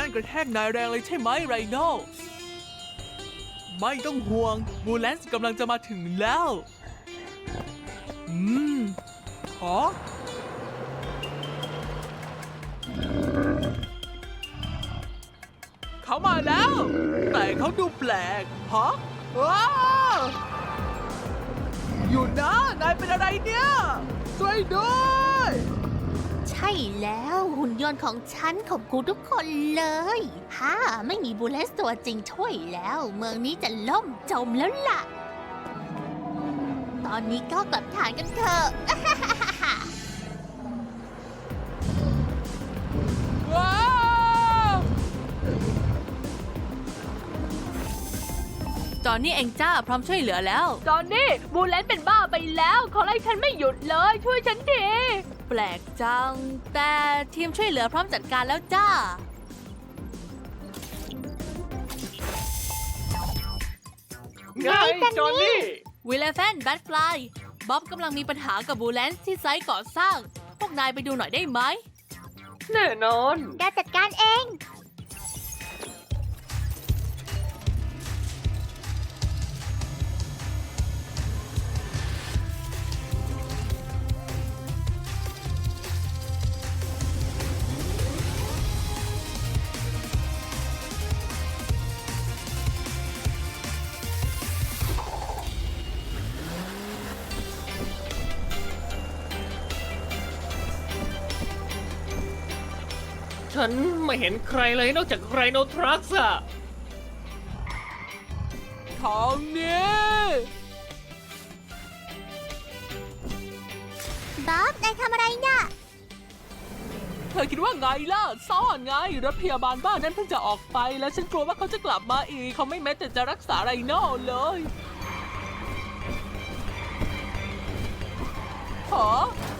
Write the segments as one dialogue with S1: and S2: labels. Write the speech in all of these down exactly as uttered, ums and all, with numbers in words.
S1: นกระแทกนายแรงเลยใช่ไหมไรโน่ไม่ต้องห่วงบูแลนซ์กำลังจะมาถึงแล้ว อืมขอเขามาแล้ว แต่เขาดูแปลกฮะว้าวอยู่นะนายเป็นอะไรเนี่ยช่วยด้วย
S2: ใช่แล้วหุ่นยนต์ของฉันขอบคุณทุกคนเลยฮ่าไม่มีบูเลสตัวจริงช่วยแล้ว เมืองนี้จะล่มจมแล้วล่ะ ตอนนี้ก็กลับฐานกันเถอะ
S1: ว้าวจอนนี่เองจ้าพร้อมช่วยเหลือแล้ว
S3: จอนนี่บูเลนเป็นบ้าไปแล้วเขาไล่ฉันไม่หยุดเลยช่วยฉันที
S1: แปลกจัง แต่ทีมช่วยเหลือพร้อมจัดการแล้วจ้า
S3: ไงจอนนี่
S1: วิลเลฟนแบทฟลายบ๊อบกำลังมีปัญหากับบูแลนซ์ที่ไซต์ก่อสร้าง พวกนายไปดูหน่อยได้ไหม
S3: แน่นอน
S2: การจัดการเอง
S3: ฉันไม่เห็นใครเลยนอกจากไรโนทรัคอะ
S1: ทางนี้
S2: บ๊อบนายทำอะไรน่ะ
S1: เธอคิดว่าไงล่ะ ซ่อนไง รถพยาบาลบ้านนั้นเพิ่งจะออกไป และฉันกลัวว่าเขาจะกลับมาอีก เขาไม่แม้แต่จะรักษาไรโน่เลยหรอ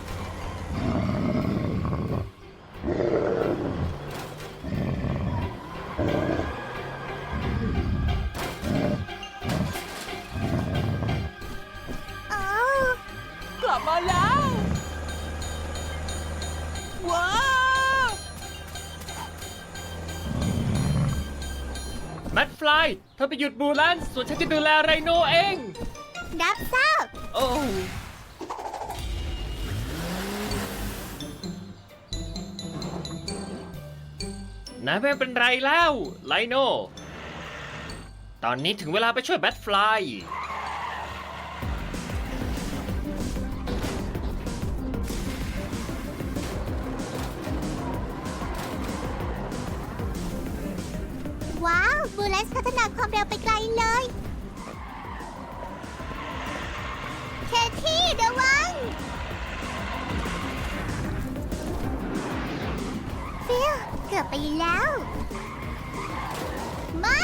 S1: อกลับมาแล้ว ว้าว
S3: แมทฟลายเธอไปหยุดบูแลนส่วนฉันจะดูแลไรโนเอง
S2: รับทราบ
S3: โอ้นายไม่เป็นไรแล้วไลโนตอนนี้ถึงเวลาไปช่วยแบทฟลาย
S2: ว้าวบูเลสพัฒนาความเร็วไปไกลเลยเคที่ระวังฟิลเกือบไปแล้ว ไม่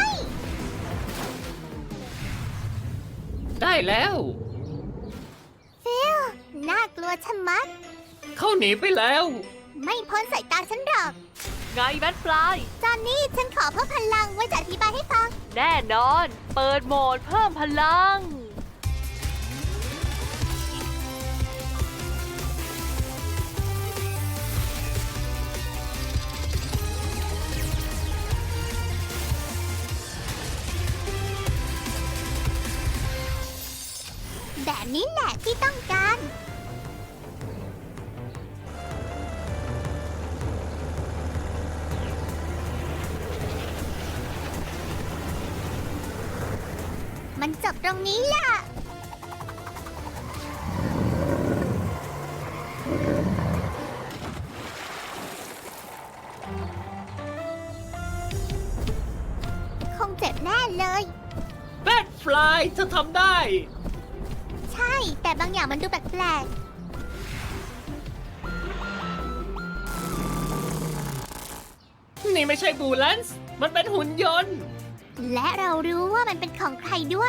S3: ได้แล้ว
S2: ฟิลน่ากลัวชะมัด
S3: เขาหนีไปแล้ว
S2: ไม่พ้นสายตาฉันหรอก
S1: ไงแบทฟลาย
S2: จอนนี่ฉันขอเพิ่มพลังไว้จะอธิบายให้ฟัง
S1: แน่นอน เปิดโหมดเพิ่มพลัง
S2: แบบนี้แหละที่ต้องการ มันจบตรงนี้ล่ะ คงเจ็บแน่เลย
S3: แบทฟลายเธอทำได้
S2: ใช่ แต่บางอย่างมันดูแปลก
S3: นี่ไม่ใช่บูแลนซ์มันเป็นหุ่นยนต์
S2: ๆ และเรารู้ว่ามันเป็นของใครด้วย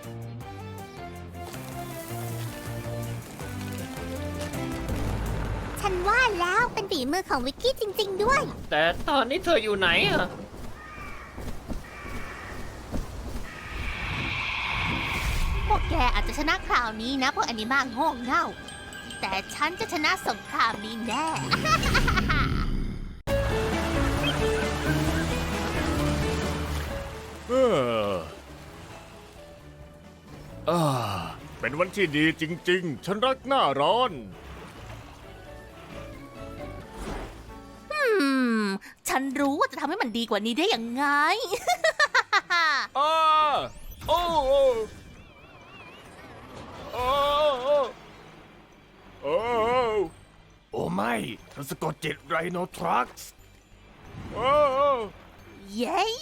S2: ฉันว่าแล้วเป็นฝีมือของวิกกี้จริง ๆ ด้วย
S3: แต่ตอนนี้เธออยู่ไหนอะ
S2: พวกแกอาจจะชนะคราวนี้นะพวกแอนิมาโง่เง่า แต่ฉันจะชนะสงครามนี้แน่
S4: อ่าเป็นวันที่ดีจริงๆ ฉันรักหน้าร้อน
S2: อืม ฉันรู้ว่าจะทำให้มันดีกว่านี้ได้ยังไง
S4: อ้าโอ้โอ้โอ้โอ้โอ้โอ้ไม่ฉันสะกดจิตไรโนทรัคส์โอ้โอ้
S2: เย้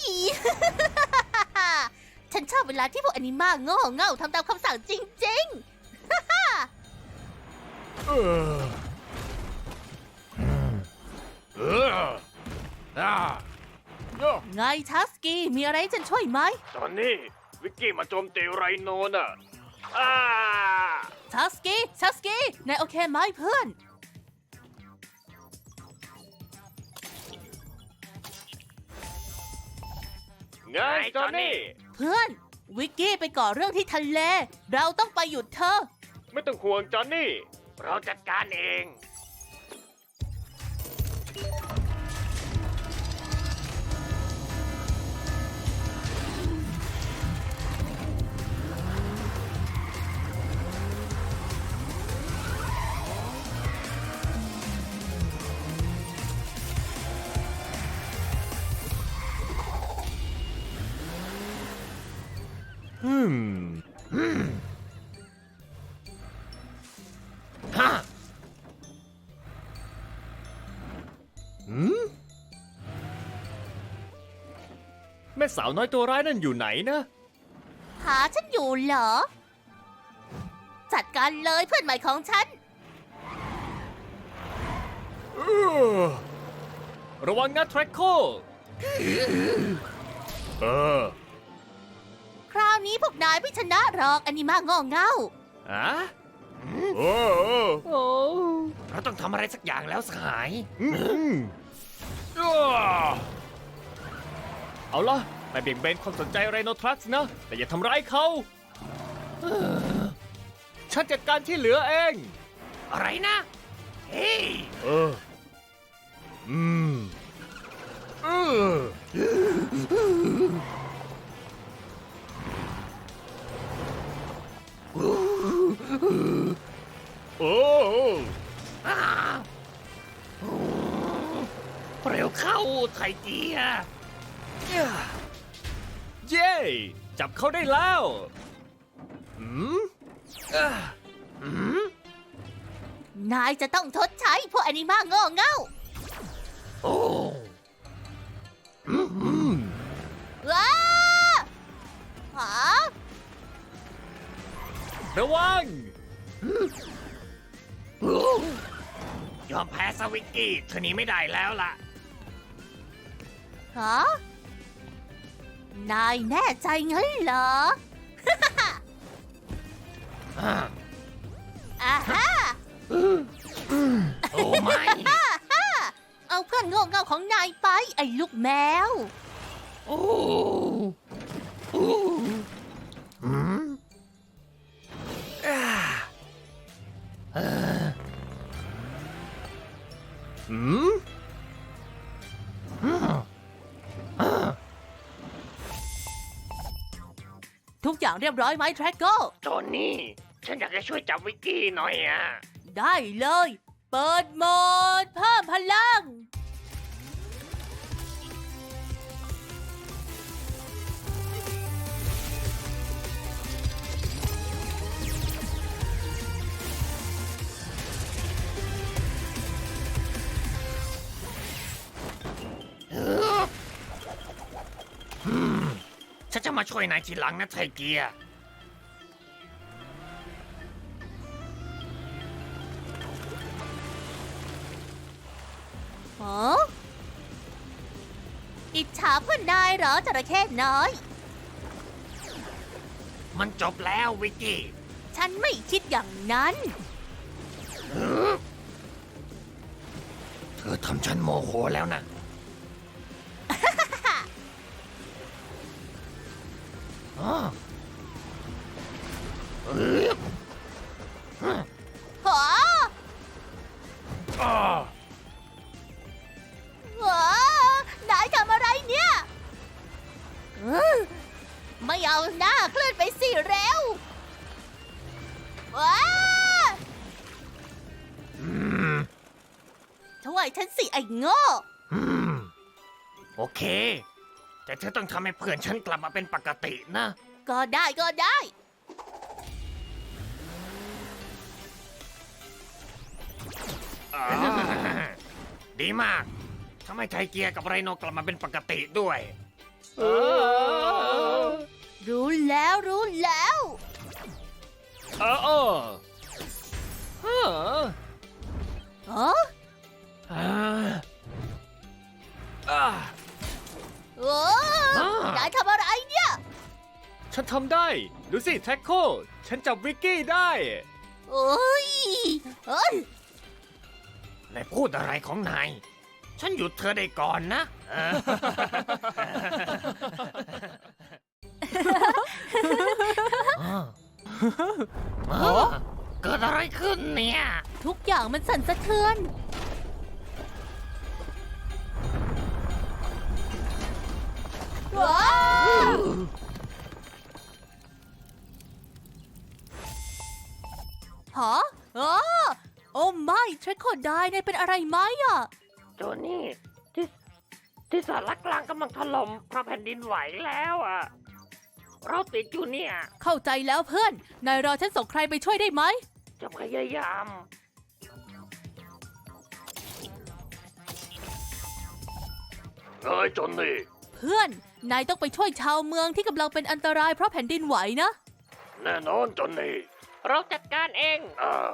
S2: ฉันชอบเวลาที่พวกอนิมาโง่เง่าทำตามคำสั่งจริง
S4: เออเอออ่าเนอะ
S2: ๆ ไงทัสกี้ มีอะไรให้ฉันช่วยไหม
S4: ตอนนี้วิกกี้มาโจมตีไรโนน่ะอ้า
S2: ทัสกี้ ทัสกี้ นายโอเคไหมเพื่อน
S4: ไงจอนนี่
S2: เพื่อน วิกกี้ไปก่อเรื่องที่ทะเล เราต้องไปหยุดเธอ
S4: ไม่ต้องห่วงจอนนี่ เราจัดการเอง อืม
S3: ฮะ
S4: หืมแม่สาวน้อยตัวร้ายนั่นอยู่ไหนนะ
S2: หาฉันอยู่เหรอ จัดการเลยเพื่อนใหม่ของฉัน
S4: เออระวังนะแทร็กโคเออ
S2: คราวนี้พวกนายไม่ชนะหรอกอนิมาโง่เง่า
S4: อะโอ้โอ้
S3: โอ้เราต้องทำอะไรสักอย่างแล้วสหาย
S4: อืมอ้าเอาล่ะไปเบี่ยงเบนความสนใจไรโนทรัคส์นะ แต่อย่าทำร้ายเขาเออฉันจัดการที่เหลือเอง
S3: อะไรนะ เฮ้ย
S4: เออ อืมเออโอ้
S3: อ้าวโอ้เร็วเข้าไทเกียร์
S4: เย้ จับเขาได้แล้ว อืม
S3: อ่ะอืม
S2: นายจะต้องทดใช้พวกอนิมาโง่เง่า
S3: โอ้
S4: อืม
S2: ว้าหา
S4: ระวัง
S3: ยอมแพ้สวิกกี้เธอหนี้ไม่ได้แล้วล่ะ
S2: หานายแน่ใจงั้นเหรอ
S3: อ่า
S2: อ่าฮะ
S3: โอ้ไม่
S2: เอาเพื่อนโง่เง่าของนายไป ไอ้ลูกแมว
S3: โอ้โอ้อืมอ่าเอ่อ
S4: อืม
S3: อืมอ่า
S2: ทุกอย่างเรียบร้อยไหมแทร็กโก
S3: โจนนี่ ฉันอยากจะช่วยจับวิกกี้หน่อยอ่ะ
S2: ได้เลย เปิดโหมดเพิ่มพลัง
S3: ฉันจะมาช่วยนายทีหลังนะไทเกียร์
S2: ฮะอิจฉาเพื่อนนายเหรอจระเข้น้อย
S3: มันจบแล้ววิกกี้
S2: ฉันไม่คิดอย่างนั้น
S3: เธอทำฉันโมโหแล้วนะ อ้อเอ้ย
S2: หา
S4: อ่า
S2: หานายทำอะไรเนี่ยเออไม่เอาหน้าเคลื่อนไปสิเร็วว้า
S4: อืม
S2: ช่วยฉันสิไอ้โง่
S4: อืม โอเค แต่เธอต้องทำให้เพื่อนฉันกลับมาเป็นปกตินะ
S2: ก็ได้ก็ได้
S4: อ่าดีมากทำให้ไทเกียร์กับไรโนกลับมาเป็นปกติด้วย
S3: เออ
S2: รู้แล้วรู้แล้ว
S3: เออเออเออ
S2: เออ
S3: อ่าอ่า
S2: โอ้นายทำอะไรเนี่ย
S3: ฉันทำได้ ดูสิแท็กโค ฉันจับวิกกี้ได้
S2: โอ้ยเอ้ย
S4: นายพูดอะไรของนาย ฉันหยุดเธอได้ก่อนนะเออเออเกิดอะไรขึ้นเนี่ย
S2: ทุกอย่างมันสั่นสะเทือน ว้าวฮะอ๋อโอ้ไม่เทรคโคไดนายเป็นอะไรไหมอ่ะ
S4: โจนี่ที่ที่สารกลางกำลังถล่มเพราะแผ่นดินไหวแล้วอ่ะ เราติดอยู่เนี่ย
S2: เข้าใจแล้วเพื่อน นายรอฉันส่งใครไปช่วยได้ไหม
S4: จะพยายาม เฮ้ยจอนนี่
S2: เพื่อน นายต้องไปช่วยชาวเมืองที่กำลังเป็นอันตรายเพราะแผ่นดินไหวนะ
S4: แน่นอนจอนนี่
S3: เราจัดการเอง
S4: อ่า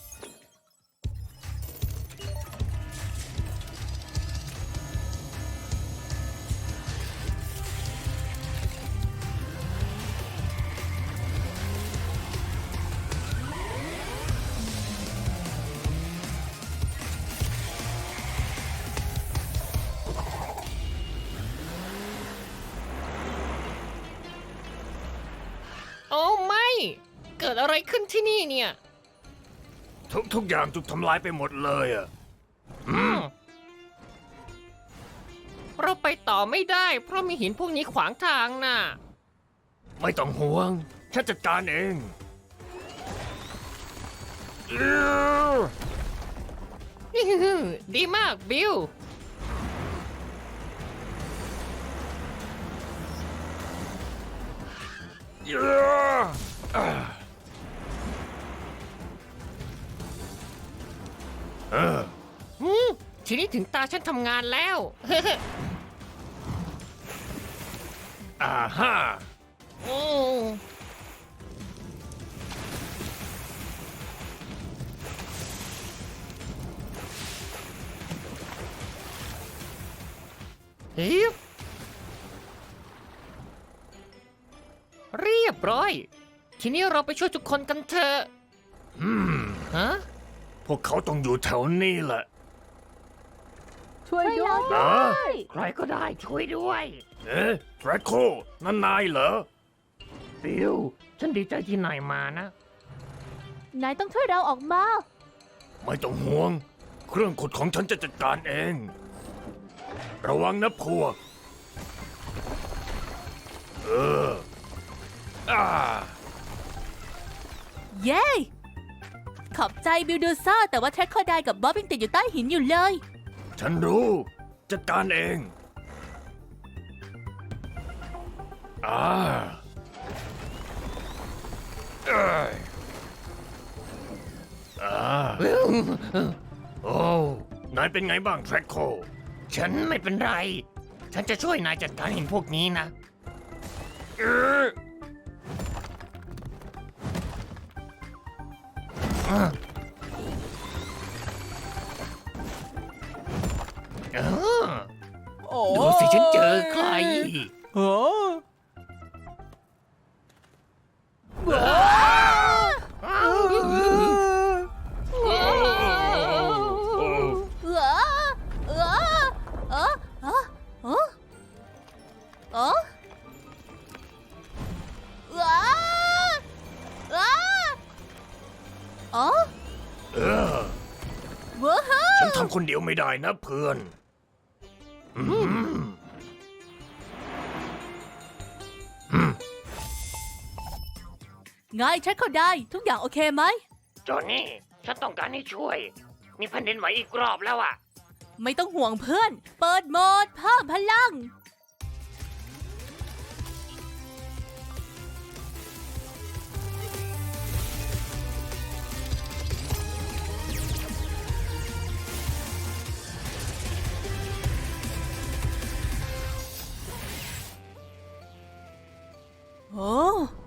S3: โอ้ไม่ เกิดอะไรขึ้นที่นี่เนี่ย
S4: ทุกทุกอย่างถูกทำลายไปหมดเลยอ่ะ
S3: อืม เราไปต่อไม่ได้ เพราะมีหินพวกนี้ขวางทางน่ะ
S4: ไม่ต้องห่วง ฉันจัดการเองอื้อ
S3: ดีมากบิล
S4: อื้ออ่าเออ
S3: อืมทีนี้ถึงตาฉันทำงานแล้ว
S4: อ่าฮ่า
S3: อืมฮิบเรียบร้อย ทีนี้เราไปช่วยทุกคนกันเถอะ
S4: อืม
S3: ฮะ
S4: พวกเขาต้องอยู่แถวนี้แหละ
S2: ช่วยด้วย
S4: นะ
S3: ใครก็ได้ช่วยด้วย
S4: เอ๊ะแทร็คโคนั่นนายเหรอ
S3: บิล ฉันดีใจที่นายมานะ
S2: นายต้องช่วยเราออกมา
S4: ไม่ต้องห่วง เครื่องขุดของฉันจะจัดการเอง ระวังนะพวก เออ อ่า
S2: เย้ ขอบใจบิลดูซ่าแต่ว่าแทร็คโคไดกับบ๊อบยังติดอยู่ใต้หินอยู่เลย
S4: ฉันรู้ จัดการเอง อ่าเอ้ยอ่าโอ้ นายเป็นไงบ้างแทร็คโค
S3: ฉันไม่เป็นไร ฉันจะช่วยนายจัดการหินพวกนี้นะ
S4: เออ
S3: เออ
S1: โอ้
S3: ดูสิฉันเจอใคร
S1: โอ้
S2: เออเออเออเออเออเออเออเออ
S4: เออ
S2: ว้าว
S4: ฉันทำคนเดียวไม่ได้นะเพื่อน อืม อืม
S1: ไงฉันเข้าได้ ทุกอย่างโอเคไหม
S3: จอห์นนี่ ฉันต้องการให้ช่วย มีแผ่นดินไหวอีกรอบแล้วอะ
S1: ไม่ต้องห่วงเพื่อน เปิดโหมดเพิ่มพลัง โอ้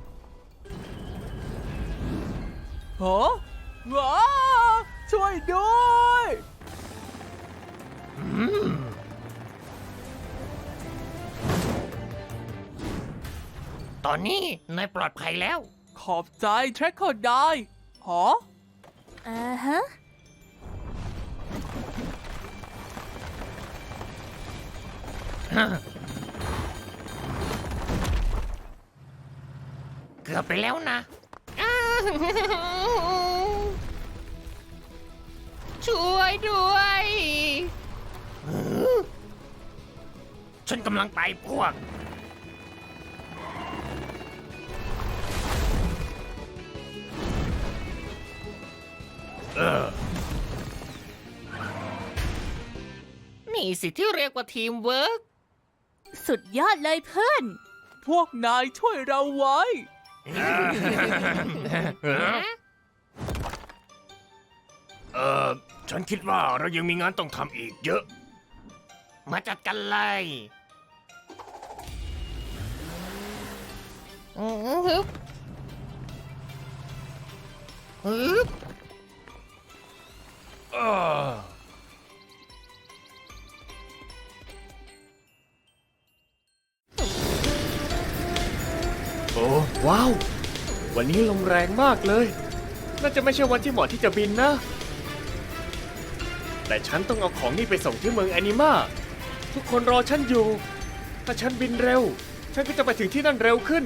S1: โหว้าช่วยด้วย
S3: ตอนนี้นายปลอดภัยแล้ว
S1: ขอบใจแทร็กเกอร์ได้หอ
S2: อ่าฮะ
S3: เกือบไปแล้วนะ ช่วยด้วย ฉันกำลังไปพวก
S4: เออ
S3: นี่สิที่เรียกว่าทีมเวิร์ก
S1: สุดยอดเลยเพื่อน พวกนายช่วยเราไว้
S4: เออฉันคิดว่าเรายังมีงานต้องทำอีกเยอะ
S3: มาจัดกันเลยฮึบฮึบ
S4: เออ
S5: โอ้ว้าว วันนี้ลมแรงมากเลย น่าจะไม่ใช่วันที่เหมาะที่จะบินนะ แต่ฉันต้องเอาของนี่ไปส่งที่เมืองแอนิมาทุกคนรอฉันอยู่ ถ้าฉันบินเร็ว ฉันก็จะไปถึงที่นั่นเร็วขึ้น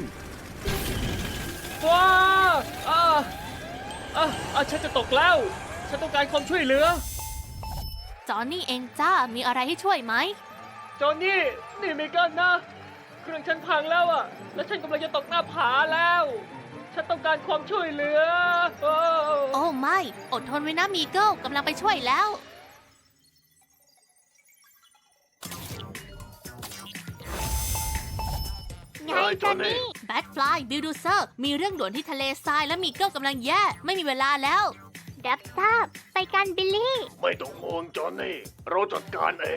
S5: ว้าอ่าอ่าอ่าฉันจะตกแล้ว ฉันต้องการความช่วยเหลือ
S2: จอห์นนี่เองจ้า มีอะไรให้ช่วยไหม
S5: จอห์นนี่ นี่มีกันนะ เครื่องฉันพังแล้วอะและฉันกำลังจะตกหน้าผาแล้ว ฉันต้องการความช่วยเหลือ โอ้
S2: โอ้ไม่ อดทนไว้นะมีเกิลกำลังไปช่วยแล้ว ไงจอนนี่แบทฟลายบิลดูเซอร์ มีเรื่องด่วนที่ทะเลทรายและมีเกิลกำลังแย่ ไม่มีเวลาแล้วดับทราบไปกันบิลลี่
S4: ไม่ต้องห่วงจอห์นนี่ เราจัดการเอง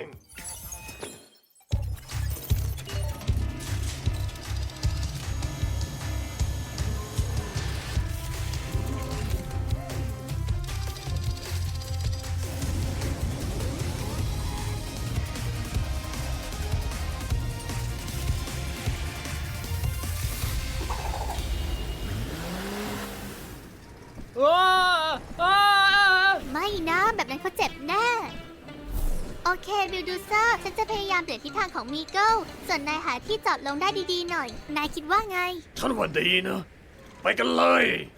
S5: ว้าอ้า
S2: ไม่นะแบบนั้นเขาเจ็บแน่ โอเคบิลดูเซอร์ ฉันจะพยายามเปลี่ยนทิศทางของมีเกิลส่วนนายหาที่จอดลงได้ดีๆหน่อย นายคิดว่าไง
S4: ฉันว่าดีนะ ไปกันเลย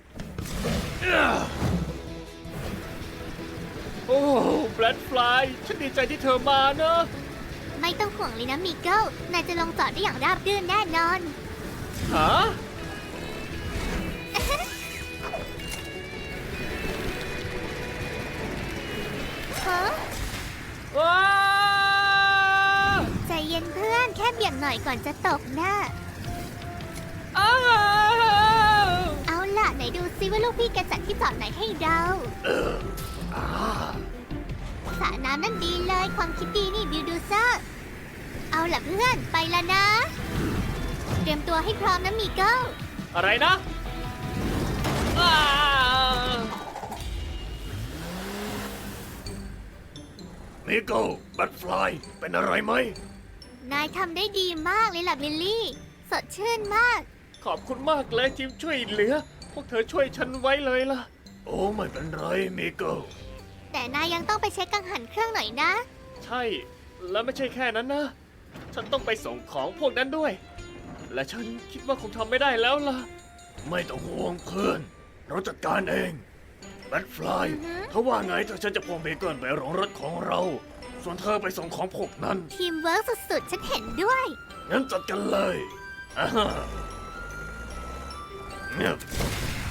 S5: โอ้แบล็ดฟลายฉันดีใจที่เธอมานะ
S2: ไม่ต้องห่วงเลยนะมีเกิลนายจะลงจอดได้อย่างราบรื่นแน่นอน
S5: ฮะ
S2: ฮะ
S5: ว้า
S2: ใจเย็นเพื่อนแค่เบี่ยงหน่อยก่อนจะตกนะ
S5: อ้าว
S2: เอาล่ะไหนดูซิว่าลูกพี่แกจัดที่จอดไหนให้เราสระน้ำนั่นดีเลยความคิดดีนี่บิลดูเซอร์ เอาล่ะเพื่อนไปแล้วนะ เตรียมตัวให้พร้อมนะมีเกิล
S5: อะไรนะอ้า
S4: มิโก้บัตฟลายเป็นอะไรไหม
S2: นายทำได้ดีมากเลยล่ะบิลลี่ สดชื่นมาก
S5: ขอบคุณมากเลยทีมช่วยเหลือ พวกเธอช่วยฉันไว้เลยล่ะ
S4: โอ้ไม่เป็นไรมิโก้
S2: แต่นายยังต้องไปเช็คกังหันเครื่องหน่อยนะ
S5: ใช่ แล้วไม่ใช่แค่นั้นนะ ฉันต้องไปส่งของพวกนั้นด้วย และฉันคิดว่าคงทำไม่ได้แล้วล่ะ
S4: ไม่ต้องห่วงเพื่อน เราจัดการเองบัตฟลาย
S2: อือฮึ
S4: ถ้าว่าไงถ้าฉันจะพวงเบเกิลไปโรงรถของเรา ส่วนเธอไปส่งของพวกนั้น
S2: ทีมเวิร์กสุดๆ ฉันเห็นด้วย
S4: งั้นจัดกันเลยอ่าฮะเนี่ย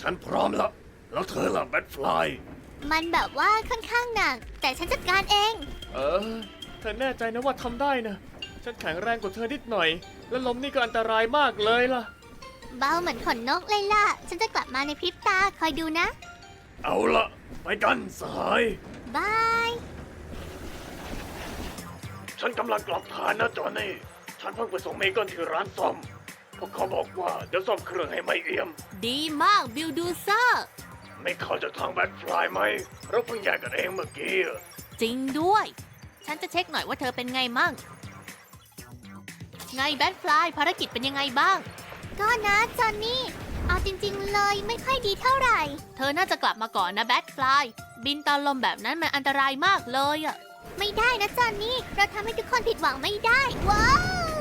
S4: ฉันพร้อมแล้ว แล้วเธอล่ะแบทฟลาย
S2: มันแบบว่าค่อนข้างหนัก แต่ฉันจัดการเอง
S5: เออ เธอแน่ใจนะว่าทำได้นะ ฉันแข็งแรงกว่าเธอนิดหน่อย และลมนี่ก็อันตรายมากเลยล่ะ
S2: เบาเหมือนขนนกเลยล่ะ ฉันจะกลับมาในพริบตาคอยดูนะ
S4: เอาละไปกันสหาย
S2: บาย
S4: ฉันกำลังกลับฐานนะจอห์นนี่ ฉันเพิ่งไปส่งเมเกิลที่ร้านซ่อมพวกเขาบอกว่าเดี๋ยวซ่อมเครื่องให้ไม่เอี่ยม
S2: ดีมากบิลดูเซอร์
S4: ไม่เข้าจากทางแบทฟลายไหม เราเพิ่งแยกกันเองเมื่อกี้อะ
S2: จริงด้วย ฉันจะเช็คหน่อยว่าเธอเป็นไงมั่ง ไงแบทฟลายภารกิจเป็นยังไงบ้าง ก็นะจอนนี่ เอาจริงๆเลยไม่ค่อยดีเท่าไหร่ เธอน่าจะกลับมาก่อนนะแบทฟลาย บินตอนลมแบบนั้นมันอันตรายมากเลยอะไม่ได้นะจอนนี่ เราทำให้ทุกคนผิดหวังไม่ได้ ว้าว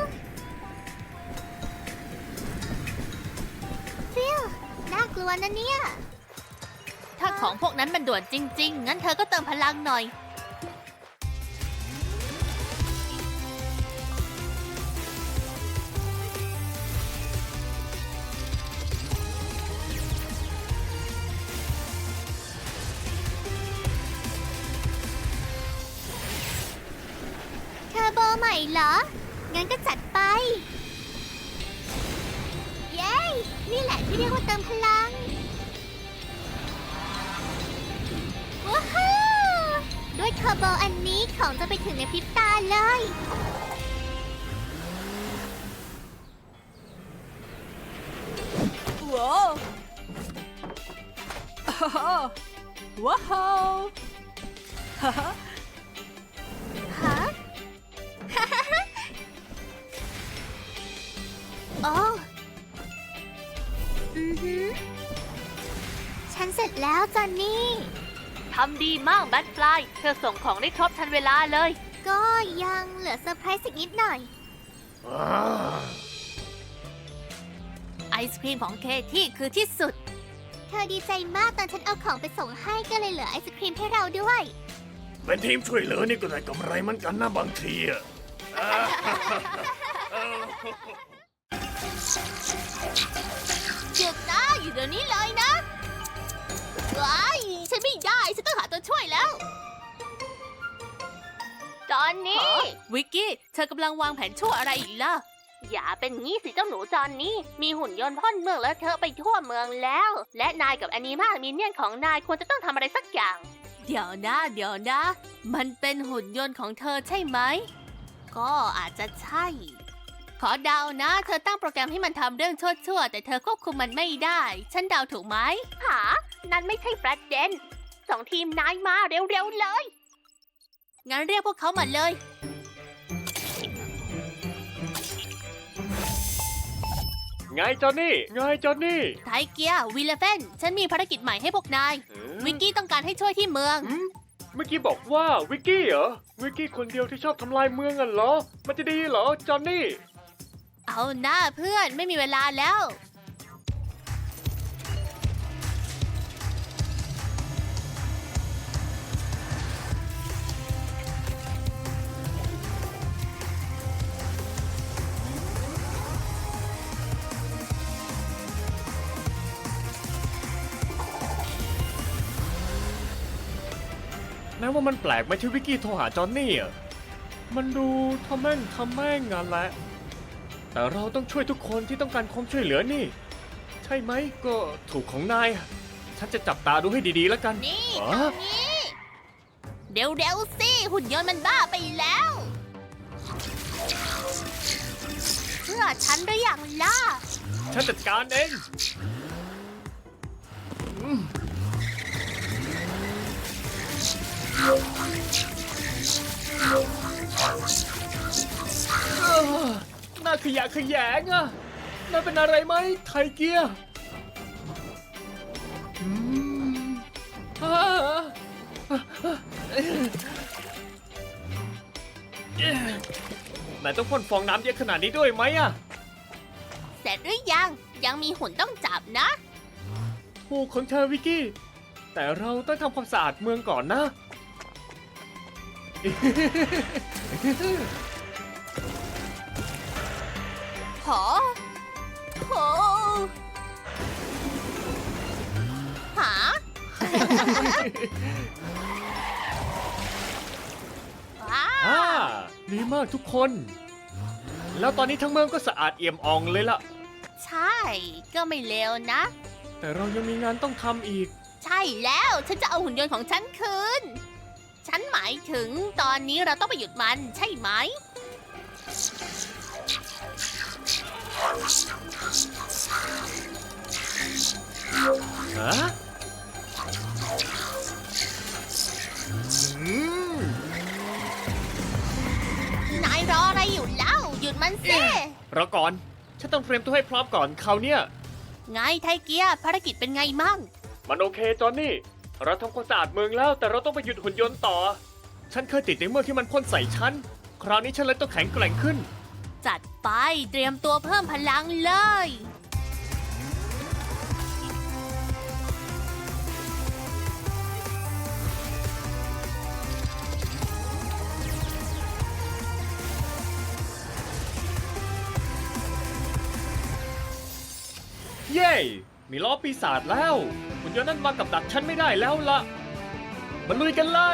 S2: ฟิลน่ากลัวนะเนี่ย ถ้าของพวกนั้นมันด่วนจริง ๆ งั้นเธอก็เติมพลังหน่อย เทอร์โบใหม่เหรอ งั้นก็จัดไป เย้ นี่แหละที่เรียกว่าเติมพลัง ว้าวด้วยเทอร์โบอันนี้ของจะไปถึงในพริบตาเลย
S1: ว้าวว้าวฮ่าฮ่า
S2: ฮะ โอ้อือหือ ฉันเสร็จแล้วจอนนี่ ทำดีมากแบทฟลาย เธอส่งของได้ครบทันเวลาเลย ก็ยังเหลือเซอร์ไพรส์อีกนิดหน่อย
S4: อ่า
S2: ไอศครีมของเคที่คือที่สุด เธอดีใจมากตอนฉันเอาของไปส่งให้ก็เลยเหลือไอศครีมให้เราด้วย
S4: เป็นทีมช่วยเหลือนี่ก็ได้กำไรเหมันกันนะบางทีอะ
S2: หยุดนะอยู่เดี๋ยวนี้เลยนะว้ายฉันไม่ได้ ฉันต้องหาตัวช่วยแล้ว ตอนนี้
S1: วิกกี้ เธอกำลังวางแผนชั่วอะไรอีกล่ะ
S2: อย่าเป็นงี้สิเจ้าหนูจอนนี่ มีหุ่นยนต์พ่นเมืองแล้วเธอไปทั่วเมืองแล้ว และนายกับแอนิมามีเนียนของนายควรจะต้องทำอะไรสักอย่าง
S1: เดี๋ยวนะ เดี๋ยวนะ มันเป็นหุ่นยนต์ของเธอใช่ไหม
S2: ก็อาจจะใช่
S1: ขอเดานะ เธอตั้งโปรแกรมให้มันทำเรื่องชั่วๆ แต่เธอควบคุมมันไม่ได้ ฉันเดาถูกไหม
S2: หา นั่นไม่ใช่ประเด็นสองทีมนายมาเร็วๆเลย
S1: งั้นเรียกพวกเขามาเลย
S5: ไงจอนนี่ ไงจอนนี่
S1: ไทเกียร์วิลเลเฟนฉันมีภารกิจใหม่ให้พวกนาย
S5: เอ๊ะ
S1: วิกกี้ต้องการให้ช่วยที่เมือง
S5: หืมเมื่อกี้บอกว่าวิกกี้เหรอ วิกกี้คนเดียวที่ชอบทำลายเมืองอ่ะเหรอ มันจะดีเหรอจอนนี่
S1: เอาหน้าเพื่อนไม่มีเวลาแล้ว
S5: นายว่ามันแปลกไหมที่วิกกี้โทรหาจอนนี่อ่ะ มันดูทำแม่งทำแม่งงานแหละ แต่เราต้องช่วยทุกคนที่ต้องการความช่วยเหลือนี่ ใช่ไหมก็ถูกของนายอะฉันจะจับตาดูให้ดีๆแล้วกัน
S2: นี่
S5: อ๋อ
S2: ทางนี้ เร็วๆสิ หุ่นยนต์มันบ้าไปแล้วเชื่อฉันหรือยังล่ะ
S5: ฉันจัดการเองอืมเอ้อน่าขยะแขยงอ่ะน่าเป็นอะไรไหมไทเกียร์อืมอ่านายต้องพ่นฟองน้ำเยอะขนาดนี้ด้วยไหมอ่ะ
S2: เสร็จหรือยัง ยังมีหุ่นต้องจับนะ
S5: ถูกของเธอวิกกี้ แต่เราต้องทำความสะอาดเมืองก่อนนะ
S1: หอโห
S2: ว้า
S5: อ่าว ดีมากทุกคน แล้วตอนนี้ทั้งเมืองก็สะอาดเอี่ยมอ่องเลยล่ะ
S2: ใช่ ก็ไม่เลวนะ
S5: แต่เรายังมีงานต้องทำอีก
S2: ใช่แล้ว ฉันจะเอาหุ่นยนต์ของฉันคืน ฉันหมายถึงตอนนี้เราต้องไปหยุดมัน ใช่ไหม
S5: ฮะ
S2: นายรออะไรอยู่เล่า หยุดมันสิ
S5: รอก่อน ฉันต้องเตรียมตัวให้พร้อมก่อนคราวเนี้ย
S2: ไงไทเกียภารกิจเป็นไงมั่ง
S5: มันโอเคจอนนี่ เราทำความสะอาดเมืองแล้ว แต่เราต้องไปหยุดหุ่นยนต์ต่อ ฉันเคยติดในเมืองที่มันพ่นใส่ฉัน คราวนี้ฉันเลยต้องแข็งแกร่งขึ้น
S2: จัดไปเตรียมตัวเพิ่มพลังเลย
S5: เย้ มีล้อปีศาจแล้ว หุ่นยนต์นั้นมากับดักฉันไม่ได้แล้วล่ะมาลุยกันเลย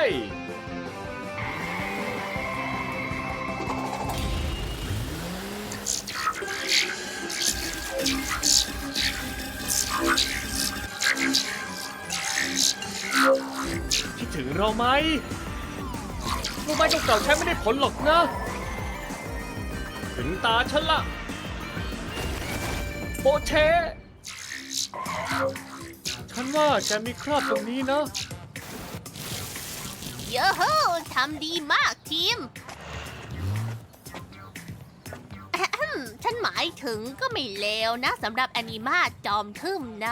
S5: คิดถึงเราไหมรู้ไหมเก่าๆใช้ไม่ได้ผลหรอกนะ ถึงตาฉันละโปเช ฉันว่าแกมีคราบตรงนี้นะ
S2: เยอะโฮทำดีมากทีมอะแฮมฉันหมายถึงก็ไม่เลวนะสำหรับแอนิมาจอมทึมนะ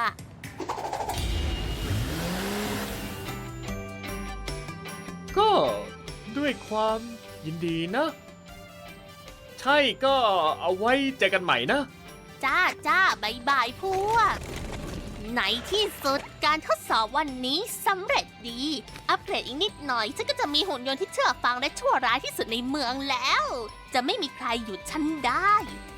S5: ก็ด้วยความยินดีนะ ใช่ก็เอาไว้เจอกันใหม่นะ
S2: จ้าจ้าบายบายพวก ในที่สุดการทดสอบวันนี้สำเร็จดี อัปเกรดอีกนิดหน่อยฉันก็จะมีหุ่นยนต์ที่เชื่อฟังและชั่วร้ายที่สุดในเมืองแล้ว จะไม่มีใครหยุดฉันได้